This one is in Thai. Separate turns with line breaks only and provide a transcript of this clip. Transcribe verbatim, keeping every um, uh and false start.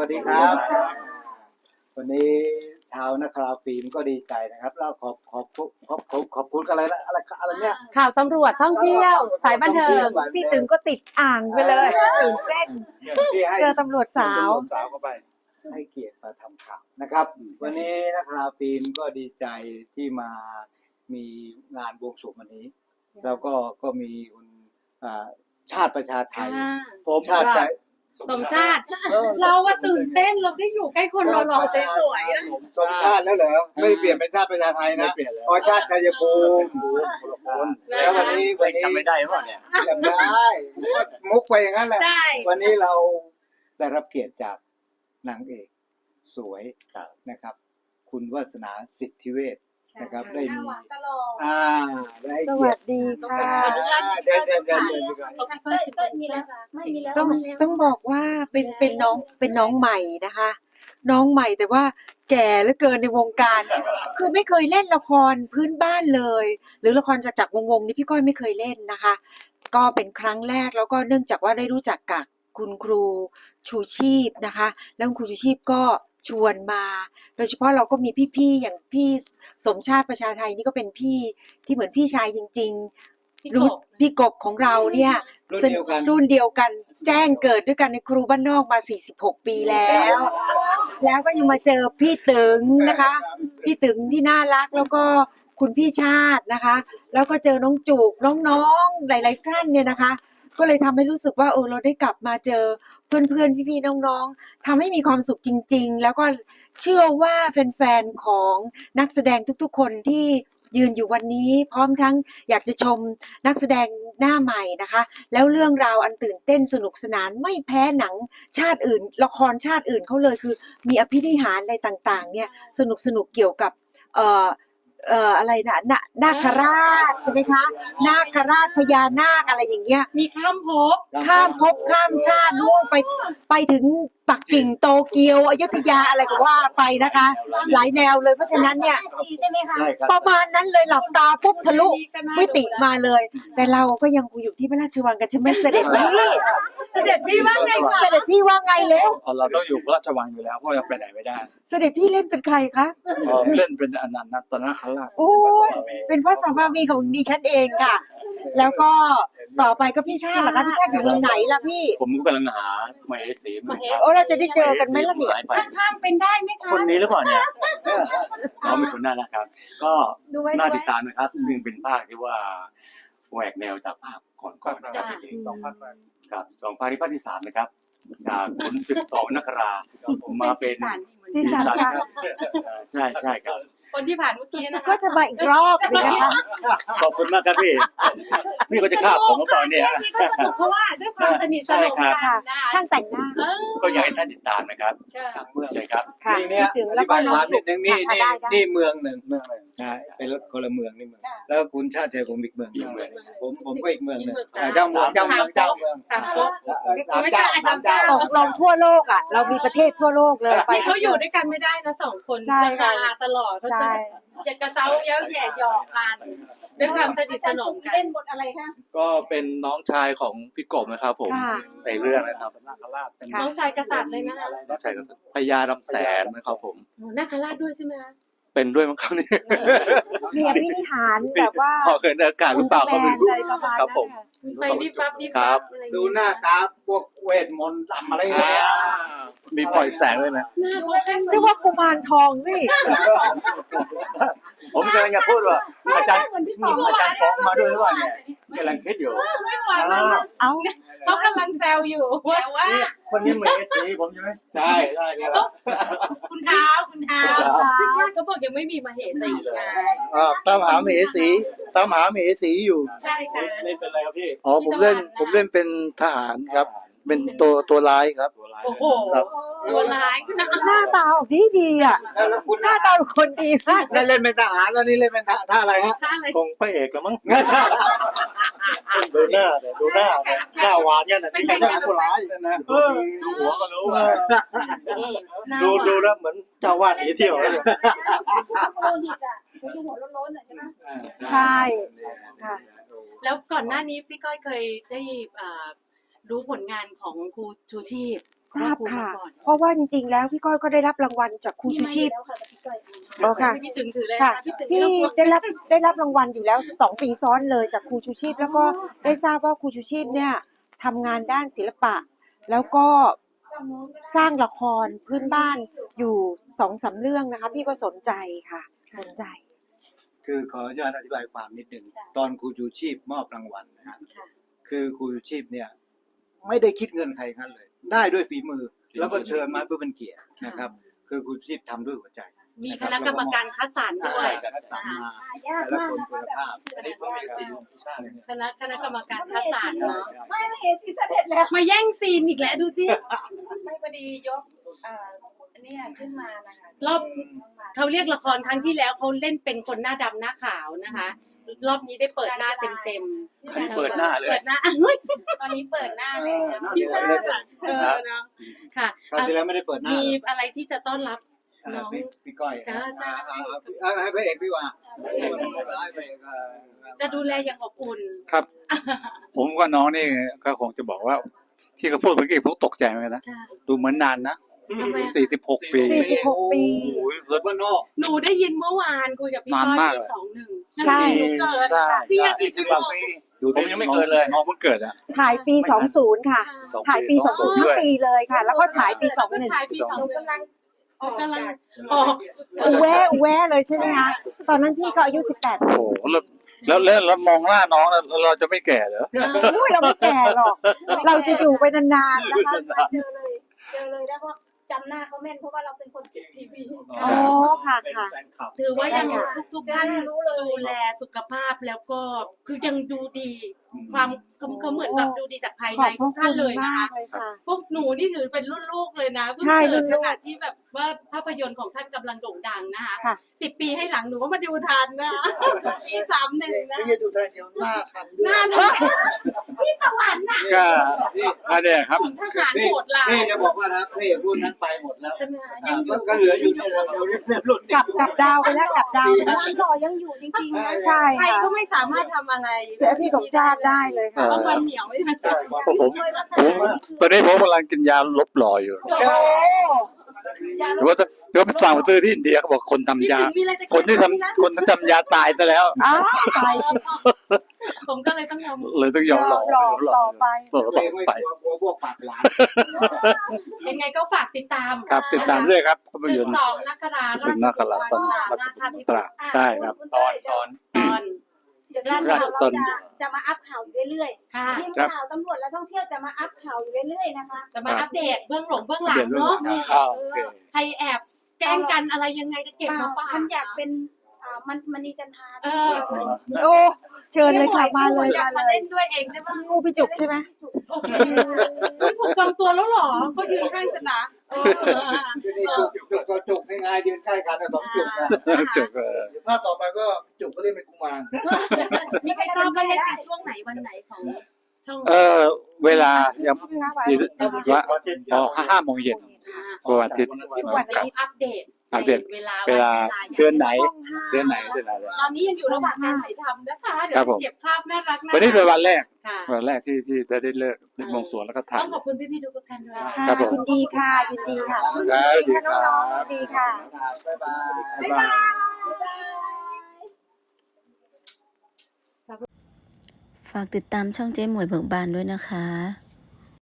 วัสดีครับวันนี้ชาวนักข่าวฟิล์มก็ดีใจนะครับแล้วขอบขอบขอบขอบขอบคุณอะไรนะอะไรอะไรเนี่ย
ข่าวตำรวจท่องเที่ยวสายบันเทิงพี่ตึงก็ติดอ่างไปเลยตื่นเต้นเจอตำรวจสาว
สาวเข้าไปให้เกียรติมาทำข่าวนะครับวันนี้นักข่าวฟิล์มก็ดีใจที่มามีงานบวงสรวงวันนี้แล้วก็ก็มีคุณชาติประชาไทยชาติใจ
สมชาติเราว่าตื่นเต้นเราได้อยู่ใกล้คนหล่อๆสวย
ๆสมชาติแล้วเหรอไม่เปลี่ยนเป็นชาติประชาไทยนะอ๋อชาติชัยภูมิแล้ววันนี้วันนี้
จำไม่ได้หรือเปล่าเนี่ย
จำได้มุกไปอย่างนั้นแหละวันนี้เราได้รับเกียรติจากนางเอกสวยนะครับคุณวาสนาสิทธิเวชนะครับได้มีอ่าได้
สวัสดีค่ะ
เดินเดินเดินเดิน
ต้องต้องบอกว่าเป็นเป็นน้องเป็นน้องใหม่นะคะน้องใหม่แต่ว่าแก่เหลือเกินในวงการคือไม่เคยเล่นละครพื้นบ้านเลยหรือละครจากจากวงวงนี่พี่ก้อยไม่เคยเล่นนะคะก็เป็นครั้งแรกแล้วก็เนื่องจากว่าได้รู้จักกับคุณครูชูชีพนะคะแล้วคุณครูชูชีพก็ชวนมาโดยเฉพาะเราก็มีพี่ๆอย่างพี่สมชาติประชาไทยนี่ก็เป็นพี่ที่เหมือนพี่ชายจริงๆรู้พี่กบของเราเนี่ยรุ่นเดียวกันแจ้งเกิดด้วยกันในครูบ้านนอกมาสี่สิบหกปีแล้วแล้วก็ยังมาเจอพี่ตึงนะคะพี่ตึงที่น่ารักแล้วก็คุณพี่ชาตินะคะแล้วก็เจอน้องจูกน้องๆหลายๆท่านเนี่ยนะคะก็เลยทำให้รู้สึกว่าเออเราได้กลับมาเจอเพื่อนๆพี่ๆน้องๆทำให้มีความสุขจริงๆแล้วก็เชื่อว่าแฟนๆของนักแสดงทุกๆคนที่ยืนอยู่วันนี้พร้อมทั้งอยากจะชมนักแสดงหน้าใหม่นะคะแล้วเรื่องราวอันตื่นเต้นสนุกสนานไม่แพ้หนังชาติอื่นละครชาติอื่นเขาเลยคือมีอภินิหารอะไรต่างๆเนี่ยสนุกสนุกเกี่ยวกับเอ่อเอ่ออะไรนะนาคราชใช่ไหมคะนาคราชพญานาคอะไรอย่างเงี้ย
มีข้ามภพ
ข้ามภพข้ามชาตินู่นไปไปถึงปักกิ่งโตเกียวอยุธยาอะไรก็ว่าไปนะคะหลายแนวเลยเพราะฉะนั้นเนี่ย
ใช่ไหมคะ
ประมาณนั้นเลยหลับตาปุ๊บทะลุมิติมาเลยแต่เราก็ยังอยู่ที่พระราชวังกันใช่ไหมเสด็จพี่
เสด็จพี่ว่าไง
เสด็จพี่ว่าไงแล้ว
เราต้องอยู่พระราชวังอยู่แล้วเพราะยังไปไหนไม่ได้
เสด็จพี่เล่นเป็นใครคะ
เล่นเป็นอนันต์ตนาคราช
โอ้เป็นพระสัมมาวีของดิฉันเองค่ะแล้วก็ต่อไปก็พี่ชาติล่ะคะพี่ชาติอยู่เมืองไหนล่ะพี่
ผมก็กำลังหาหมายสี
โอ้เราจะได้เจอกันไหมล่ะเนี่ย
ข้ามเป็นได้ไหมคะ
คนนี้หรือเปล่าเนี่ยเราเป็นคนน่ารักครับก็น่าติดตามนะครับซึ่งเป็นภาคที่ว่าแหวกแนวจากภาคก่อนก่อนนะครับสองภาคครับสองภาคที่ภาคที่สามนะครับจากขุนศึกสองนครามาเป็น
สีสันครับ
ใช่ใช่ครับ
คนที่ผ่านเมื่อกี้นะคะ
ก็จะมาอีกรอบนึงนะคะ
ขอบคุณมากครับพี่พี่ก็จะฆ่าผมเมื่อก่อนเนี่ย
เพราะว่าด้วยความสนิทสนมกัน
ช่างแต่งหน้า
ก็อยากให้ท่านติดตามนะครับเมืองใช่ครับ
นี่เนี่ยแล้วก็น้องจุกนึงนี่นี่นี่เมืองหนึ่งเมืองหนึ่งใช่เป็นคนละเมืองนี่เมืองแล้วคุณชาติชัยผมอีกเมืองผมผมก็อีกเมืองหนึ่งเจ้าเมืองเจ้าเมืองเจ้าเมือง
สามก๊กไม่ใช่สามเจ้า
ตกลงทั่วโลกอ่ะเรามีประเทศทั่วโลกเลย
ไปเขาอยู่ด้วยกันไม่ได้นะสองคนจะมาตลอดเขาจะจะกระเซ้าเย้าแย่หยอกกันด้วยความสนิทสนมกันเล่นบทอะไรคะ
ก็เป็นน้องชายของพี่กบนะครับผมในเรื่องนะครับนาคราชเป็น
น้องชายกษัตริย์เลยนะคะ
น้องชายกษัตริย์พญาลำแสนนะครับผม
นาคราชด้วยใช่ไหมคะ
เป็นด้วยมั้งครับนี่
มีอภินิหารแบบว่า
พอเกิดอากาศหรือเปล่าก็ไม่รู้ครับผม
ไฟดิบปั๊บดิบปั๊บ
ดูหน้าตาพวกเวทมนต์ทำอะไรเนี่ย
มีปล่อยแสงด้วยนะ
เรียกว่ากุมารทองสิ
ผมกำลังจะพูดว่าอาจารย์อาจารย์ฟ้องมาด้วยหรือเปล่าเนี่ยกำลังคิดอยู่
เอ้า
เขากำลังแซวอยู่ว่า
คนนี้เหมือนสีผมใช่ไหมใช่ใช่ครับ
คุณเท้าคุณเท้าพี่ชาติเขาบอกยังไม่มีมาเหสีไง
ตามหาเหสีตามหาเหสีอยู่
ใช่ค่ะ
เล่นเป็นอะไรครับพี่
อ๋อผมเล่นผมเล่นเป็นทหารครับเป็นตัวตัวร้ายครับ
โอ้โหตัวร้าย
หน้าตาออกดีดีอ่ะหน้าตาคนดีมาก
นั่นเล่นเป็นทหารแล้วนี่เล่นเป็นท่าอะไรฮะ
คงพระเอกแล้วมั้งดูหน้าเนี่ยดูหน้าเนี่ยหน้าหวานเนี่ยนะไม่ใช่หน้าผู้ร้ายนะดูหัวก็รู้ดูดูแล้วเหมือนเจ้าวาดหนีเที่ยวเลย
ใช่ค่ะ
แล้วก่อนหน้านี้พี่ก้อยเคยได้รู้ผลงานของครูชูชีพ
ทราบค่ะ เพราะว่าจริงๆแล้วพี่ก้อยก็ได้รับรางวัลจากครูชูชีพอ๋อค่ะ
พี่ถึงถือเลย
ค่ะ
พี่ถึง
พี่ได้รับได้รับรางวัลอยู่แล้วสองปีซ้อนเลยจากครูชูชีพ แล้วก็ได้ทราบว่าครูชูชีพเนี่ยทำงานด้านศิลปะ แล้วก็สร้างละครพื้นบ้านอยู่สองสามเรื่องนะคะ พี่ก็สนใจค่ะ สนใจ
คือขออนุญาตอธิบายความนิดหนึ่งตอนครูชูชีพมอบรางวัลนะฮะคือครูชูชีพเนี่ยไม่ได้คิดเงินใครกันเลย ได้ด้วยฝีมือ แล้วก็เชิญมาเพื่อเป็นเกียรตินะครับ คือครูชูชีพทำด้วยหัวใจ
มีคณะกรรมการคัดสรรด้วย
คัดสรรมาแต่ละคนคุณภาพ
อันนี้พวกมีซีนใช่
คณะคณะกรรมการคัดสรรเนาะ
ไม่ไม่เห็นสิเสด็จแล้ว
มาแย่งซีนอีกแล้วดูสิ
ไม่พอดียกเอ่ออันเนี้ยขึ้นมานะคะ
รอบเขาเรียกละครครั้งที่แล้วเขาเล่นเป็นคนหน้าดำหน้าขาวนะคะ รอบนี้ได้เปิดหน้าเต็มเต็ม
อันนี้เปิดหน้าเลย
เปิดหน้าเฮ้ย
ตอนนี้เปิดหน้าเลยค่ะ
พี่ชาติอะเออเนาะค่ะ
คราวที่แล้วไม่ได้เปิดหน้า
มีอะไรที่จะต้อนรับ
อ่า
น้อง
พี่พี่ก้อย
จ้าจ้า
อ่อ่อ่ให้พระเอกดีกว่าให้พระเอกอ่า
จะดูแลอย่างอบอุ่น
ครับ ผมว่าน้องนี่ก็คงจะบอกว่า ที่เขาพูดเมื่อกี้ผมตกใจเหมือนกันนะ
ค่ะ
ดูเหมือนนานนะ
ทำไมอะ
สี่สิบหกปี
สี่สิบหกปี
โอ้ย
เกิดว่านอก
หนูได้ยินเมื่อวานคุยกับพี่
นาน
ก้อย
มาก
ปี
เลย
สองหนึ่ง
ใช่
หนูเกิด
ใช่
พี่ยังสี่สิบหก
ดู
ผมยังไม่เกิดเลย
น้องเพิ่งเกิดอ่ะ
ถ่ายปีสองสิบค่ะ
สอง
ถ่ายปีสองสิบทั้งปีเลยค่ะ แล้วก็ฉายปีสองหนึ่ง
ฉายปีสองหนึ่งกำลังออกกำลังออก
อูแวะอูแวะเลยใช่ไหมคะตอนนั้นพี่ก็อายุสิบแปด
โอ้โหแล้วแล้วแล้วแล้วมองหน้าน้องแล้วเราจะไม่แก่เหรอ
อุ้ยเราไม่แก่หรอก เราจะอยู่ไปนานๆนะคะ
เจอเลยเจอเลยแล้วก็จำหน้าเขาแม่นเพราะว่าเราเป็นคนติดทีวี
อ๋อค่ะค่ะ
ถือว่ายังทุกทุกๆท่าน
รู้เลย
ดูแลสุขภาพแล้วก็คือยังดูดี ความเขาเขาเหมือนแบบดูดีจากภาย
ข
ใน
อบพ
ทุ
ระ
กท่าน
คุณ
เลยนะ
มาก
คะ
เลยค่ะ
พวกหนูนี่ถือเป็นรุ่นลูกเลยนะเพิ่ง
ใช่
เกิด
รุ่นลู
ข
ก
นาดที่แบบว่าภาพยนตร์ของท่านกำลังโด่งดังนะคะ
ค่ะ
สิบปีให้หลังหนูก็มาดูทันนะ ปีสามหนึ่งนะ
ไม่ใช่ดูทางเดียวหน้าทันด้
ห
วย
น้าทันพี่ตะวันน่ะ
ก็อันเนี้ยครับ
ของทหารโหดร้าย
นี่จะบอกว่านะพระเอกรุ่นนั้นไปหมดแล้ว
ใช่ไหมคะยังอยู่
ก็เหลืออยู่นี่เราเราเรียกรุ่น
กลับกลับดาวไปแล้วกลับดาวไปแล้ว
ร้านหล่อยังอยู่จริงๆนะ
ใช่
ใคร
ค่ะ
ก็ไม่สามารถทำอะไร
แต่พี่สมชาติได้เลยค่ะ
เพราะมันเหนียวไม่ได้
ผมผมตอนนี้ผมกำลังกินยาลบหลออยู่
โอ้
แต่ว่าแต่ว่าไปสั่งมาซื้อที่อินเดียเขาบอกคนทำ
พี่
ยา
ถึงมีอะไรจะ
คนที่ทำคนที่ทำยาตายซะแล้ว
อ้าวไป
ผมก็เลยต้องยอม
เลยต้องยอมหลอก
หลอกต่อไป
หลอก
ตัว
ต่
เอ
อง
ไม่
ไป
กลัวกลัวพวกปากหลาน
ยังไงก็ฝากติดตาม
ครับติดตามด้วยครับภาพ
สิ
ย
บ
นตร์
สองนักรา
สึกนาคราชตอนตราได้ครับ
ตอนตอน
ตอน
เดี๋ยวทีมข่าวเราจะจะมาอัพข่าวอยู่เรื่อย
ค่ะ
ๆทีมข่าวตำรวจและท่องเที่ยวจะมาอัพข่าวอยู่เรื่อยๆนะคะ
จะมาอัปเดตเบื้องหลงเบื้องหลั
เปลี่
ง
ยนเรื่อง
เนาะ
อ้าวโอเค
ใครแอบแกล้งกันอะไรยังไงจะเก็บมาฝาก
ฉันอยากเป็นอ่ามันมณีจันทรา
เออ
โอ้เชิญเลยค่ะมาเลย
อยาก
มา
มา
เลย
เล่นด้วยเองใช่ไหม
งูพี่จุกใช่ไหม
โอเคผมจองตัวแล้วเหรอเขายืนข้างฉันนะเออเออ
นี่จุกจุกก็จุกง่ายๆยืนใกล้กันนะสองจุกนะ
จบเออ
เดี๋ยวภาคต่อไปก็จุกก็เล่นเป็นกุมาร
มีใครทราบว่าเล่นในช่วงไหนวันไหนของช่อง
เออเวลายัง
ใช่ไหมคะ
ที่ว่าอ๋อห้าโมงเย็นวันอาทิตย์
ทุกวันอาทิตย์
อัปเดต
อัปเดต
เวลา
เวลา
ย่ง
เดือนไหน
ช่องห้า
เดือนไหนเดือนไหน
ตอนนี้ยังอยู่ระหว่างการถ่ายทำนะคะเดี๋ย
ครับ
ว
ผม
เก็บภาพน่ารักๆ
วันนี้เป็นวันแรก
ค่ะ
วันแรกที่ที่ได้ได้เลิกได้บวงสรวงแล้วก็ถ่า
ต้
ย
องขอบคุณพี่ๆทุกท่านด้วย
ค่ะ
ครับผม
ยินดีค่ะ ยินดีค่ะ
ครับ
ยินดีค่ะน้องๆยินดีค่ะ
บ๊ายบาย
บ๊ายบาย
ฝากติดตามช่องเจ๊หมวยเบิกบานด้วยนะคะ